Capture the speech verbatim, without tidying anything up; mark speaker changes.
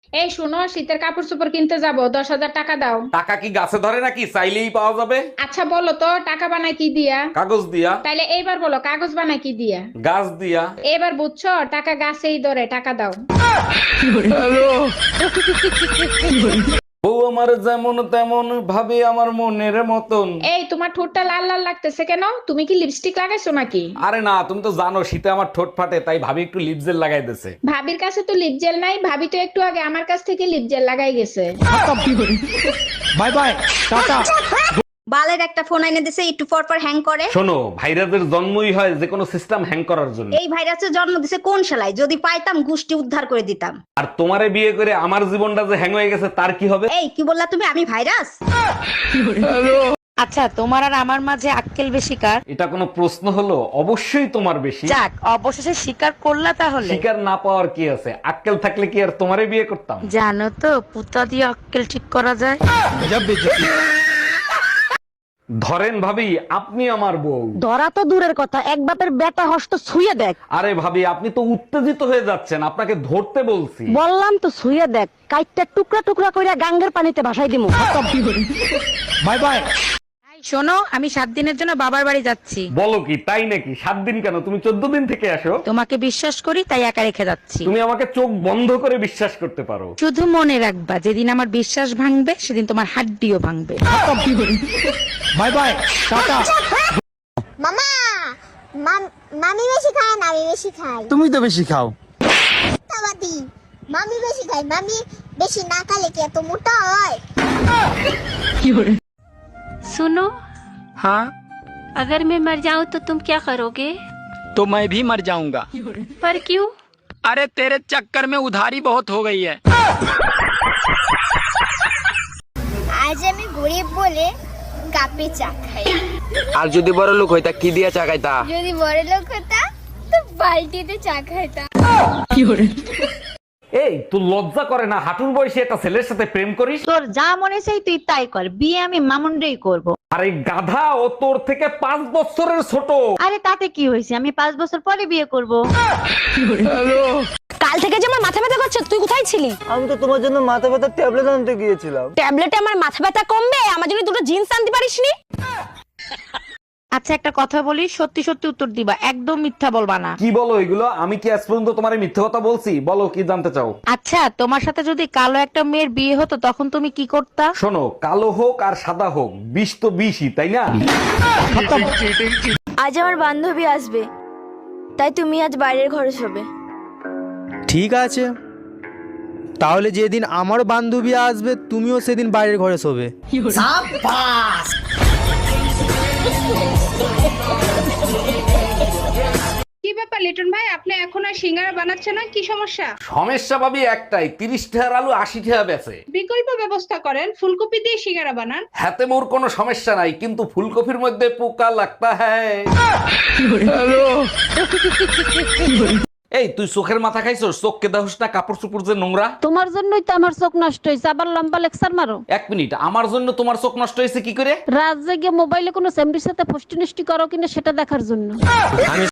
Speaker 1: এই শোনো, শীতের কাপড় চোপড় কিনতে যাবো, দশ হাজার টাকা দাও।
Speaker 2: টাকা কি গাছে ধরে নাকি চাইলেই পাওয়া যাবে?
Speaker 1: আচ্ছা বলো তো, টাকা বানায় কি দিয়া?
Speaker 2: কাগজ দিয়া।
Speaker 1: তাইলে এইবার বলো, কাগজ বানায় কি দিয়া?
Speaker 2: গাছ দিয়া।
Speaker 1: এবার বুঝছো, টাকা গাছেই ধরে, টাকা দাও।
Speaker 2: বউ আমার যেমন তেমন ভাবে আমার মনের মতন।
Speaker 1: এই তোমার ঠোঁটটা লাল লাল লাগতেছে কেন? তুমি কি লিপস্টিক লাগাইছো নাকি?
Speaker 2: আরে না, তুমি তো জানো শীতে আমার ঠোঁট ফাটে, তাই ভাবি একটু লিপ জেল লাগাই দিছে।
Speaker 1: ভাবির কাছে তো লিপ জেল নাই, ভাবি তো একটু আগে আমার কাছ থেকে লিপ জেল লাগাই গেছে।
Speaker 2: Bye bye, tata.
Speaker 3: বালের একটা ফোন এনে দিছে, একটু পর পর হ্যাং করে।
Speaker 2: শোনো, ভাইরাসের জন্মই হয় যে কোনো সিস্টেম হ্যাং করার জন্য।
Speaker 3: এই ভাইরাসের জন্ম দিছে কোন শালায়? যদি পাইতাম গুষ্টি উদ্ধার করে দিতাম।
Speaker 2: আর তোমারে বিয়ে করে আমার জীবনটা যে হ্যাং হয়ে গেছে তার কি হবে?
Speaker 3: এই কি বললা তুমি? আমি ভাইরাস?
Speaker 4: আচ্ছা, তোমার আর আমার মাঝে আক্কেল বেশি কার?
Speaker 2: এটা কোনো প্রশ্ন হলো? অবশ্যই তোমার বেশি।
Speaker 4: যাক, অবশেষে স্বীকার করলা তাহলে।
Speaker 2: শিকার না পাওয়ার কি আছে? আক্কেল থাকলে কি আর তোমারে বিয়ে করতাম?
Speaker 4: জানো তো, পুতা দিয়ে আক্কেল ঠিক করা যায়।
Speaker 2: ধরেন ভাবি, আপনি আমার বউ।
Speaker 5: ধরা তো দূরের কথা, এক বাপের বেটা হস্ত ছুঁয়ে দেখ।
Speaker 2: আরে ভাবি, আপনি তো উত্তেজিত হয়ে যাচ্ছেন, আপনাকে ধরতে বলছি।
Speaker 5: বললাম তো ছুঁয়ে দেখ, কাইটটা টুকরা টুকরা কইরা গাঙ্গের পানিতে ভাসাই দিমু।
Speaker 2: Bye bye.
Speaker 4: এই শোনো, আমি সাত দিনের জন্য বাবার বাড়ি যাচ্ছি।
Speaker 2: বলো কি, তাই নাকি? সাত দিন কেন, তুমি চোদ্দ দিন থেকে আসো।
Speaker 4: তোমাকে বিশ্বাস করি তাই একা রেখে যাচ্ছি।
Speaker 2: তুমি আমাকে চোখ বন্ধ করে বিশ্বাস করতে পারো।
Speaker 4: শুধু মনে রাখবা, যেদিন আমার বিশ্বাস ভাঙবে সেদিন তোমার হাড্ডিও ভাঙবে।
Speaker 2: Bye bye, tata.
Speaker 6: মামা মাম- মামি বেশি খায় না আমি বেশি খাই?
Speaker 7: তুমি তো বেশি খাও।
Speaker 6: মিথ্যাবাদী। মামি বেশি খায়, মামি বেশি না খালে কি এত মোটা হয়?
Speaker 8: सुनो,
Speaker 7: हाँ,
Speaker 8: अगर मैं मर जाऊं तो तुम क्या करोगे?
Speaker 7: तो मैं भी मर जाऊंगा।
Speaker 8: पर क्यों?
Speaker 7: अरे तेरे चक्कर में उधारी बहुत हो गई है।
Speaker 6: আজ আমি গরিব বলে কাপে চা খাই,
Speaker 9: আর যদি বড় লোক হইতা কি দিয়া চা খাইতা?
Speaker 6: যদি বড় লোক হতাম তো বালতিতে চা খাইতাম।
Speaker 2: এই, তুই লজ্জা করে না হাঁটুর বয়সে একটা ছেলের সাথে প্রেম করিস?
Speaker 5: তোর যা মনে চাই তুই তাই কর, বিয়ে আমি মামুনরেই করব।
Speaker 2: আরে গাধা, ও তোর থেকে পাঁচ বছরের ছোট।
Speaker 5: আরে তাতে কি হয়েছে, আমি পাঁচ বছর পরে বিয়ে করব। কাল থেকে যে আমার মাথা ব্যথা করছে, তুই কোথায় ছিলি?
Speaker 7: আমি তো তোমার জন্য মাথা ব্যথার ট্যাবলেট আনতে গিয়েছিলাম।
Speaker 5: ট্যাবলেটে আমার মাথা ব্যথা কমবে, আমার জন্য দুটো জিন্স আনতে পারিসনি?
Speaker 4: আচ্ছা, একটা কথা বলি, সত্যি সত্যি উত্তর দিবা, একদম মিথ্যা বলবা না।
Speaker 2: কি বলো এগুলো? আমি কি আজ পর্যন্ত তোমার মিথ্যে কথা বলছি? বলো কি জানতে চাও?
Speaker 4: আচ্ছা, তোমার সাথে যদি কালো একটা মেয়ের বিয়ে হতো তখন তুমি কি করতা?
Speaker 2: শোনো, কালো হোক আর সাদা হোক, বিষ তো বিষই, তাই না?
Speaker 10: আজ আমার বান্ধবী আসবে, তাই তুমি আজ বাইরের ঘরে শোবে।
Speaker 7: ঠিক আছে, তাহলে যেদিন আমার বান্ধবী আসবে তুমিও সেদিন বাইরের ঘরে শোবে।
Speaker 1: কি ব্যাপার লিটন ভাই, আপনি এখন আর সিঙ্গারা বানাচ্ছেন না, কি সমস্যা?
Speaker 2: সমস্যা ভাবি একটাই, তিরিশ টাকার আলু আশি টাকা বেচে।
Speaker 1: বিকল্প ব্যবস্থা করেন, ফুলকপি দিয়ে সিঙ্গারা বানান।
Speaker 2: হাতে মোর কোনো সমস্যা নাই, কিন্তু ফুলকপির মধ্যে পোকা লাগতা হ্যায়। এই, তুই চোখের মাথা খাইছস? চোখ কে দাহুস না? কাপড় চুপড় যে নোংরা।
Speaker 5: তোমার জন্যই তো আমার চোখ নষ্ট হয়েছে, আবার লম্বা লেকচার মারো।
Speaker 2: এক মিনিট, আমার জন্য তোমার চোখ নষ্ট হয়েছে কি করে?
Speaker 5: রাত জেগে মোবাইলে কোনো সেমরির সাথে ফষ্টি নষ্টি করো কিনা সেটা দেখার জন্য।